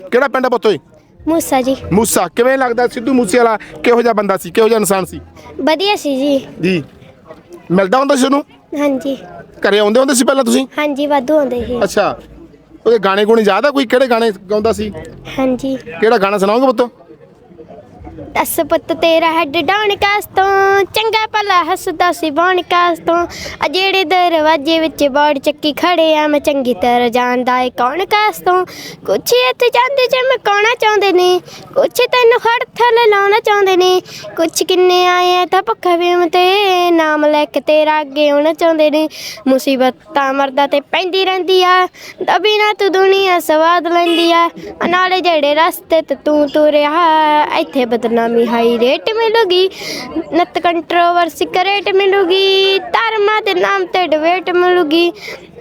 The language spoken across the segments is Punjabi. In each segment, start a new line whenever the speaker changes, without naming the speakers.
ਕਿਹੜਾ ਪਿੰਡ ਆ ਪੁੱਤ ਓਏ?
ਮੂਸਾ ਜੀ।
ਮੂਸਾ। ਕਿਵੇਂ ਲੱਗਦਾ ਸਿੱਧੂ ਮੂਸੇਵਾਲਾ ਕਿਹੋ ਜਿਹਾ ਬੰਦਾ ਸੀ, ਕਿਹੋ ਜਿਹਾ ਇਨਸਾਨ ਸੀ?
ਵਧੀਆ ਸੀ ਜੀ।
ਜੀ ਮਿਲਦਾ ਹੁੰਦਾ ਸੀ ਉਹਨੂੰ?
ਹਾਂਜੀ
ਘਰੇ ਆਉਂਦੇ ਹੁੰਦੇ ਸੀ ਪਹਿਲਾਂ ਤੁਸੀਂ?
ਹਾਂਜੀ ਵਾਧੂ ਆਉਂਦੇ ਸੀ।
ਅੱਛਾ, ਉਹਦੇ ਗਾਣੇ ਗੁਣੇ ਯਾਦ ਆ ਕੋਈ? ਕਿਹੜੇ ਗਾਣੇ ਗਾਉਂਦਾ ਸੀ?
ਹਾਂਜੀ।
ਕਿਹੜਾ ਗਾਣਾ ਸੁਣਾਓਗੇ ਪੁੱਤ?
ਦਸ ਪੁੱਤ ਤੇਰਾ ਹੈਡ ਡਾਉਣ ਕਾਸ ਤੋਂ, ਚੰਗਾ ਭਲਾ ਹੱਸਦਾ ਸੀ ਬਣ ਕਾਸ ਤੋਂ। ਆ ਜਿਹੜੇ ਦਰਵਾਜ਼ੇ ਵਿੱਚ ਬਾੜ ਚੱਕੀ ਖੜੇ ਆ, ਮੈਂ ਚੰਗੀ ਤਰ੍ਹਾਂ ਜਾਣਦਾ ਏ ਕੌਣ ਕਾਸ ਤੋਂ। ਕੁਛ ਇੱਥੇ ਜਾਂਦੇ ਜਿਵੇਂ ਕਾਉਣਾ ਚਾਹੁੰਦੇ ਨੇ, ਕੁਛ ਤੈਨੂੰ ਖੜ ਥੱਲੇ ਲਾਉਣਾ ਚਾਹੁੰਦੇ ਨੇ, ਕੁਛ ਕਿੰਨੇ ਆਏ ਆ ਤਾਂ ਭੁੱਖਾ ਵੇਮ ਤੇ ਨਾਮ ਲੈ ਕੇ ਤੇਰਾ ਅੱਗੇ ਆਉਣਾ ਚਾਹੁੰਦੇ ਨੇ। ਮੁਸੀਬਤਾਂ ਮਰਦਾ ਤੇ ਪੈਂਦੀ ਰਹਿੰਦੀ ਆ, ਦਬੀ ਨਾ ਤੂੰ ਦੁਨੀਆ ਸਵਾਦ ਲੈਂਦੀ ਆ। ਨਾਲੇ ਜਿਹੜੇ ਰਸਤੇ ਤੇ ਤੂੰ ਤੁਰਿਆ, ਇੱਥੇ ਬਦਨਾਮੀ ਹਾਈ ਰੇਟ ਮਿਲੂਗੀ, ਨਤ ਕੰਟਰੋਵਰਸੀ ਕਰੇਟ ਮਿਲੂਗੀ, ਧਰਮਾਂ ਦੇ ਨਾਮ ਤੇ ਡਿਬੇਟ ਮਿਲੂਗੀ।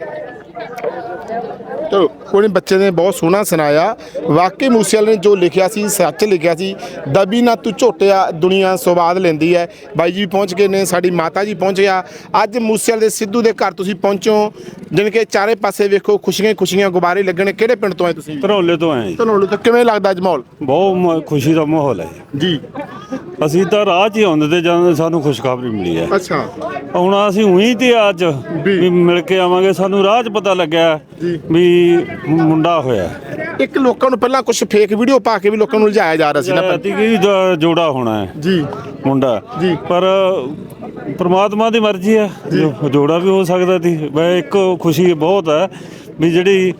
ਚਲੋ ਕੋਈ ਬੱਚੇ ਨੇ ਬਹੁਤ ਸੋਹਣਾ ਸੁਣਾਇਆ। ਵਾਕਈ ਮੂਸੇਵਾਲੇ ਨੇ ਜੋ ਲਿਖਿਆ ਸੀ ਸੱਚ ਲਿਖਿਆ ਸੀ। ਦਬੀ ਨਾ ਤੂੰ ਝੋਟਿਆ ਦੁਨੀਆ ਸਵਾਦ ਲੈਂਦੀ ਹੈ। ਬਾਈ ਜੀ ਪਹੁੰਚ ਗਏ ਨੇ, ਸਾਡੀ ਮਾਤਾ ਜੀ ਪਹੁੰਚ ਗਿਆ। ਅੱਜ ਮੂਸੇਵਾਲੇ ਦੇ ਸਿੱਧੂ ਦੇ ਘਰ ਤੁਸੀਂ ਪਹੁੰਚੋ, ਜਾਣੀ ਕਿ ਚਾਰੇ ਪਾਸੇ ਵੇਖੋ ਖੁਸ਼ੀਆਂ ਖੁਸ਼ੀਆਂ ਗੁਬਾਰੇ ਲੱਗਣੇ। ਕਿਹੜੇ ਪਿੰਡ ਤੋਂ ਆਏ ਤੁਸੀਂ?
ਧਰੌਲੇ ਤੋਂ ਆਏ ਜੀ।
ਧਨੌਲੇ ਤੋਂ। ਕਿਵੇਂ ਲੱਗਦਾ ਅੱਜ ਮਾਹੌਲ?
ਬਹੁਤ ਖੁਸ਼ੀ ਦਾ ਮਾਹੌਲ ਹੈ
ਜੀ।
ਅਸੀਂ ਤਾਂ ਰਾਹ 'ਚ ਹੀ ਆਉਂਦੇ ਤੇ ਜਾਂਦੇ, ਸਾਨੂੰ ਖੁਸ਼ਖਬਰੀ ਮਿਲੀ ਹੈ।
ਅੱਛਾ।
ਹੁਣ ਅਸੀਂ ਉਹੀ ਤੇ ਅੱਜ ਵੀ ਮਿਲ ਕੇ ਆਵਾਂਗੇ। ਸਾਨੂੰ ਰਾਹ 'ਚ ਪਤਾ ਲੱਗਿਆ ਵੀ ਮੁੰਡਾ ਹੋਇਆ।
ਇੱਕ ਲੋਕਾਂ ਨੂੰ ਪਹਿਲਾਂ ਕੁਝ ਫੇਕ ਵੀਡੀਓ ਪਾ ਕੇ ਵੀ ਲੋਕਾਂ ਨੂੰ ਲਜਾਇਆ ਜਾ ਰਿਹਾ ਸੀ ਨਾ
ਕਿ ਜੋੜਾ ਹੋਣਾ ਹੈ
ਜੀ
ਮੁੰਡਾ
ਜੀ,
ਪਰ ਪ੍ਰਮਾਤਮਾ ਦੀ ਮਰਜ਼ੀ ਹੈ, ਜੋੜਾ ਵੀ ਹੋ ਸਕਦਾ ਸੀ। ਵੈ ਇੱਕ ਖੁਸ਼ੀ ਬਹੁਤ ਹੈ ਵੀ ਜਿਹੜੀ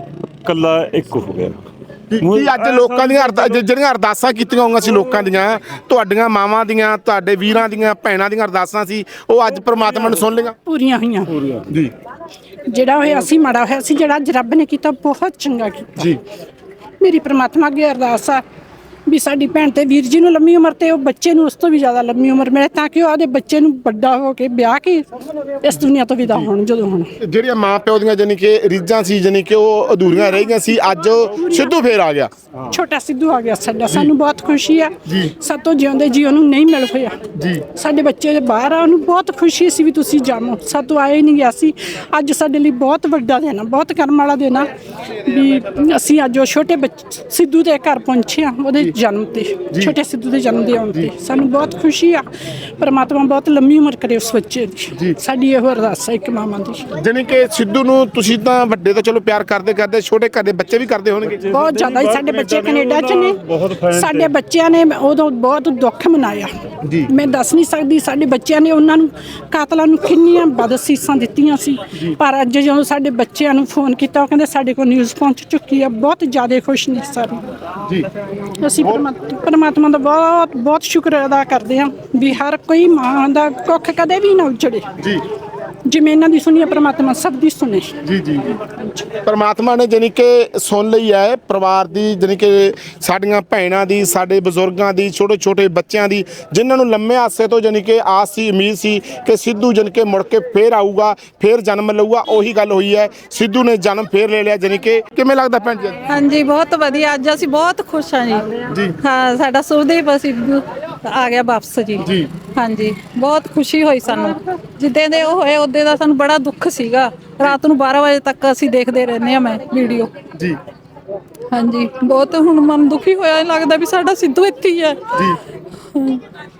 ਕੱਲਾ ਇੱਕ ਹੋ ਗਿਆ।
ਕੀ ਅੱਜ ਲੋਕਾਂ ਦੀਆਂ ਜਿਹੜੀਆਂ ਅਰਦਾਸਾਂ ਕੀਤੀਆਂ ਹੋਈਆਂ ਸੀ ਲੋਕਾਂ ਦੀਆਂ, ਤੁਹਾਡੀਆਂ ਮਾਵਾਂ ਦੀਆਂ, ਤੁਹਾਡੇ ਵੀਰਾਂ ਦੀਆਂ, ਭੈਣਾਂ ਦੀਆਂ ਅਰਦਾਸਾਂ ਸੀ, ਉਹ ਅੱਜ ਪ੍ਰਮਾਤਮਾ ਨੇ ਸੁਣ ਲਈਆਂ?
ਪੂਰੀਆਂ ਹੋਈਆਂ
ਜੀ।
ਜਿਹੜਾ ਹੋਇਆ ਸੀ ਮਾੜਾ ਹੋਇਆ ਸੀ, ਜਿਹੜਾ ਅੱਜ ਰੱਬ ਨੇ ਕੀਤਾ ਬਹੁਤ ਚੰਗਾ ਕੀਤਾ
ਜੀ।
ਮੇਰੀ ਪ੍ਰਮਾਤਮਾ ਅੱਗੇ ਅਰਦਾਸ ਆ ਵੀ ਸਾਡੀ ਭੈਣ ਤੇ ਵੀਰ ਜੀ ਨੂੰ ਲੰਮੀ ਉਮਰ ਤੇ ਉਹ ਬੱਚੇ ਨੂੰ ਉਸ ਤੋਂ ਵੀ ਜ਼ਿਆਦਾ ਲੰਮੀ ਉਮਰ ਮਿਲੇ, ਤਾਂ ਕਿ ਉਹ ਆਪਦੇ ਬੱਚੇ ਨੂੰ ਵੱਡਾ ਹੋ ਕੇ ਵਿਆਹ ਕੇ ਇਸ ਦੁਨੀਆ ਤੋਂ ਵਿਦਾ ਹੋਣ। ਜਦੋਂ ਹੁਣ
ਜਿਹੜੀਆਂ ਮਾਂ ਪਿਓ ਦੀਆਂ ਜਾਨੀ ਕਿ ਰੀਝਾਂ ਸੀ, ਜਾਨੀ ਕਿ ਉਹ ਅਧੂਰੀਆਂ ਰਹਿ ਗਈਆਂ ਸੀ, ਅੱਜ ਸਿੱਧੂ ਫੇਰ ਆ ਗਿਆ।
ਛੋਟਾ ਸਿੱਧੂ ਆ ਗਿਆ ਸਾਡਾ, ਸਾਨੂੰ ਬਹੁਤ ਖੁਸ਼ੀ ਆ। ਸਾਤੋਂ ਜਿਉਂਦੇ ਜੀ ਉਹਨੂੰ ਨਹੀਂ ਮਿਲ ਹੋਇਆ
ਜੀ।
ਸਾਡੇ ਬੱਚੇ ਦੇ ਬਾਹਰ ਆ, ਉਹਨੂੰ ਬਹੁਤ ਖੁਸ਼ੀ ਸੀ ਵੀ ਤੁਸੀਂ ਜਾਣੋ, ਸਾਤੋਂ ਆਏ ਨਹੀਂ ਗਿਆ ਸੀ। ਅੱਜ ਸਾਡੇ ਲਈ ਬਹੁਤ ਵੱਡਾ ਦਿਨ ਆ, ਬਹੁਤ ਕਰਮ ਵਾਲਾ ਦਿਨ ਆ ਵੀ ਅਸੀਂ ਅੱਜ ਉਹ ਛੋਟੇ ਸਿੱਧੂ ਦੇ ਘਰ ਪਹੁੰਚੇ ਆ, ਉਹਦੇ ਜਨਮ ਤੇ, ਛੋਟੇ ਸਿੱਧੂ ਦੇ ਜਨਮ ਦੇ ਆਉਣ ਤੇ ਸਾਨੂੰ ਬਹੁਤ ਖੁਸ਼ੀ ਆ। ਪਰਮਾਤਮਾ ਬਹੁਤ ਲੰਮੀ ਉਮਰ ਕਰੇ ਉਸ ਬੱਚੇ ਦੀ, ਸਾਡੀ ਇਹੋ ਅਰਦਾਸ ਹੈ ਇੱਕ ਮਾਵਾਂ ਦੀ।
ਜਾਨੀ ਕਿ ਸਿੱਧੂ ਨੂੰ ਤੁਸੀਂ ਤਾਂ ਵੱਡੇ ਤਾਂ ਚਲੋ ਪਿਆਰ ਕਰਦੇ, ਛੋਟੇ ਘਰ ਦੇ ਬੱਚੇ ਵੀ ਕਰਦੇ ਹੋਣਗੇ?
ਬਹੁਤ ਜ਼ਿਆਦਾ ਹੀ। ਸਾਡੇ ਬੱਚੇ ਕੈਨੇਡਾ 'ਚ ਨੇ, ਸਾਡੇ ਬੱਚਿਆਂ ਨੇ ਉਦੋਂ ਬਹੁਤ ਦੁੱਖ ਮਨਾਇਆ, ਮੈਂ ਦੱਸ ਨਹੀਂ ਸਕਦੀ। ਸਾਡੇ ਬੱਚਿਆਂ ਨੇ ਉਹਨਾਂ ਨੂੰ ਕਾਤਲਾਂ ਨੂੰ ਕਿੰਨੀਆਂ ਬਦਅਸੀਸਾਂ ਦਿੱਤੀਆਂ ਸੀ, ਪਰ ਅੱਜ ਜਦੋਂ ਸਾਡੇ ਬੱਚਿਆਂ ਨੂੰ ਫੋਨ ਕੀਤਾ, ਉਹ ਕਹਿੰਦੇ ਸਾਡੇ ਕੋਲ ਨਿਊਜ਼ ਪਹੁੰਚ ਚੁੱਕੀ ਆ। ਬਹੁਤ ਜ਼ਿਆਦਾ ਖੁਸ਼ ਨੇ ਸਾਰੇ ਜੀ। ਅਸੀਂ ਪਰਮਾਤਮਾ ਦਾ ਬਹੁਤ ਬਹੁਤ ਸ਼ੁਕਰ ਅਦਾ ਕਰਦੇ ਹਾਂ ਵੀ ਹਰ ਕੋਈ ਮਾਂ ਦਾ ਕੁੱਖ ਕਦੇ ਵੀ ਨਾ ਉਜੜੇ ਜੀ। ਜਿਵੇਂ ਇਹਨਾਂ ਦੀ ਸੁਣੀ, ਪਰਮਾਤਮਾ ਸਭ ਦੀ ਸੁਣੇ
ਜੀ। ਜੀ ਪਰਮਾਤਮਾ ਨੇ ਜਾਨੀ ਕਿ ਸੁਣ ਲਈ ਹੈ ਪਰਿਵਾਰ ਦੀ, ਜਾਨੀ ਕਿ ਸਾਡੀਆਂ ਭੈਣਾਂ ਦੀ, ਸਾਡੇ ਬਜ਼ੁਰਗਾਂ ਦੀ, ਛੋਟੇ ਛੋਟੇ ਬੱਚਿਆਂ ਦੀ, ਜਿਨ੍ਹਾਂ ਨੂੰ ਲੰਮੇ ਆਸੇ ਤੋਂ ਜਾਨੀ ਕਿ ਆਸ ਸੀ, ਉਮੀਦ ਸੀ ਕਿ ਸਿੱਧੂ ਜਾਨੀ ਕਿ ਮੁੜ ਕੇ ਫੇਰ ਆਊਗਾ, ਫੇਰ ਜਨਮ ਲਊਗਾ। ਉਹੀ ਗੱਲ ਹੋਈ ਹੈ, ਸਿੱਧੂ ਨੇ ਜਨਮ ਫੇਰ ਲੈ ਲਿਆ। ਜਾਨੀ ਕਿ ਕਿਵੇਂ ਲੱਗਦਾ ਭੈਣ ਜੀ?
ਹਾਂਜੀ ਬਹੁਤ ਵਧੀਆ, ਅੱਜ ਅਸੀਂ ਬਹੁਤ ਖੁਸ਼ ਹਾਂ ਜੀ। ਹਾਂ, ਸਾਡਾ ਸੁਖਦੇਵ ਸਿੱਧੂ ਆ ਗਿਆ ਵਾਪਸ ਜੀ। ਹਾਂਜੀ ਬਹੁਤ ਖੁਸ਼ੀ ਹੋਈ ਸਾਨੂੰ। ਜਿੱਦਾਂ ਦੇ ਉਹ ਹੋਏ ਉਦੋਂ ਦਾ ਸਾਨੂੰ ਬੜਾ ਦੁੱਖ ਸੀਗਾ। ਰਾਤ ਨੂੰ 12 ਵਜੇ ਤੱਕ ਅਸੀਂ ਦੇਖਦੇ ਰਹਿੰਦੇ ਹਾਂ ਮੈਂ ਵੀਡੀਓ ਜੀ। ਹਾਂਜੀ ਬਹੁਤ ਹੁਣ ਮਨ ਦੁਖੀ ਹੋਇਆ, ਲੱਗਦਾ ਵੀ ਸਾਡਾ ਸਿੱਧੂ ਇੱਥੇ ਹੀ ਹੈ ਜੀ।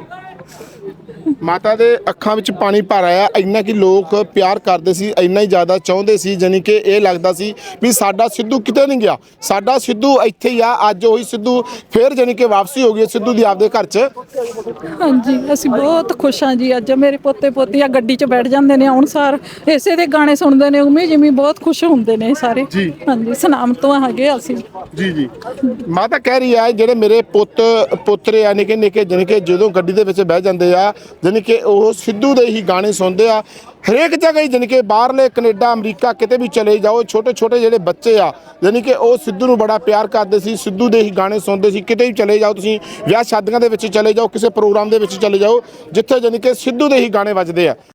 ਮਾਤਾ ਦੇ ਅੱਖਾਂ ਵਿੱਚ ਪਾਣੀ ਭਰ ਆਇਆ। ਇੰਨਾ ਕਿ ਲੋਕ ਪਿਆਰ ਕਰਦੇ ਸੀ, ਇੰਨਾ ਹੀ ਜ਼ਿਆਦਾ ਚਾਹੁੰਦੇ ਸੀ, ਜਾਨੀ ਕਿ ਇਹ ਲੱਗਦਾ ਸੀ ਵੀ ਸਾਡਾ ਸਿੱਧੂ ਕਿਤੇ ਨਹੀਂ ਗਿਆ, ਸਾਡਾ ਸਿੱਧੂ ਇੱਥੇ ਹੀ ਆ। ਅੱਜ ਉਹੀ ਸਿੱਧੂ ਫੇਰ ਜਾਨੀ ਕਿ ਵਾਪਸੀ ਹੋ ਗਈ ਸਿੱਧੂ ਦੀ ਆਪਦੇ ਘਰ 'ਚ।
ਹਾਂਜੀ ਅਸੀਂ ਬਹੁਤ ਖੁਸ਼ ਹਾਂ ਜੀ। ਅੱਜ ਮੇਰੇ ਪੋਤੇ ਪੋਤੀਆਂ ਗੱਡੀ 'ਚ ਬੈਠ ਜਾਂਦੇ ਨੇ, ਆਉਣ ਸਾਰ ਇਸੇ ਦੇ ਗਾਣੇ ਸੁਣਦੇ ਨੇ, ਉਵੇਂ ਜਿਵੇਂ ਬਹੁਤ ਖੁਸ਼ ਹੁੰਦੇ ਨੇ ਸਾਰੇ। ਹਾਂਜੀ ਸਨਾਮ ਤੋਂ ਹੈਗੇ ਅਸੀਂ ਜੀ।
ਮਾਤਾ ਕਹਿ ਰਹੀ ਹੈ ਜਿਹੜੇ ਮੇਰੇ ਪੋਤਰੇ ਆ ਨਿੱਕੇ ਨਿੱਕੇ, ਜਾਨੀ ਕਿ ਜਦੋਂ ਗੱਡੀ ਦੇ ਵਿੱਚ ਬਹਿ ਜਾਂਦੇ ਆ, ਜਾਨੀ ਕਿ ਉਹ ਸਿੱਧੂ ਦੇ ਹੀ ਗਾਣੇ ਸੁਣਦੇ ਆ। ਹਰੇਕ ਜਗ੍ਹਾ ਹੀ ਜਾਨੀ ਕਿ ਬਾਹਰਲੇ ਕੈਨੇਡਾ, ਅਮਰੀਕਾ, ਕਿਤੇ ਵੀ ਚਲੇ ਜਾਓ, ਛੋਟੇ ਛੋਟੇ ਜਿਹੜੇ ਬੱਚੇ ਆ ਜਾਨੀ ਕਿ ਉਹ ਸਿੱਧੂ ਨੂੰ ਬੜਾ ਪਿਆਰ ਕਰਦੇ ਸੀ, ਸਿੱਧੂ ਦੇ ਹੀ ਗਾਣੇ ਸੁਣਦੇ ਸੀ। ਕਿਤੇ ਵੀ ਚਲੇ ਜਾਓ ਤੁਸੀਂ, ਵਿਆਹ ਸ਼ਾਦੀਆਂ ਦੇ ਵਿੱਚ ਚਲੇ ਜਾਓ, ਕਿਸੇ ਪ੍ਰੋਗਰਾਮ ਦੇ ਵਿੱਚ ਚਲੇ ਜਾਓ, ਜਿੱਥੇ ਜਾਨੀ ਕਿ ਸਿੱਧੂ ਦੇ ਹੀ ਗਾਣੇ ਵੱਜਦੇ ਆ।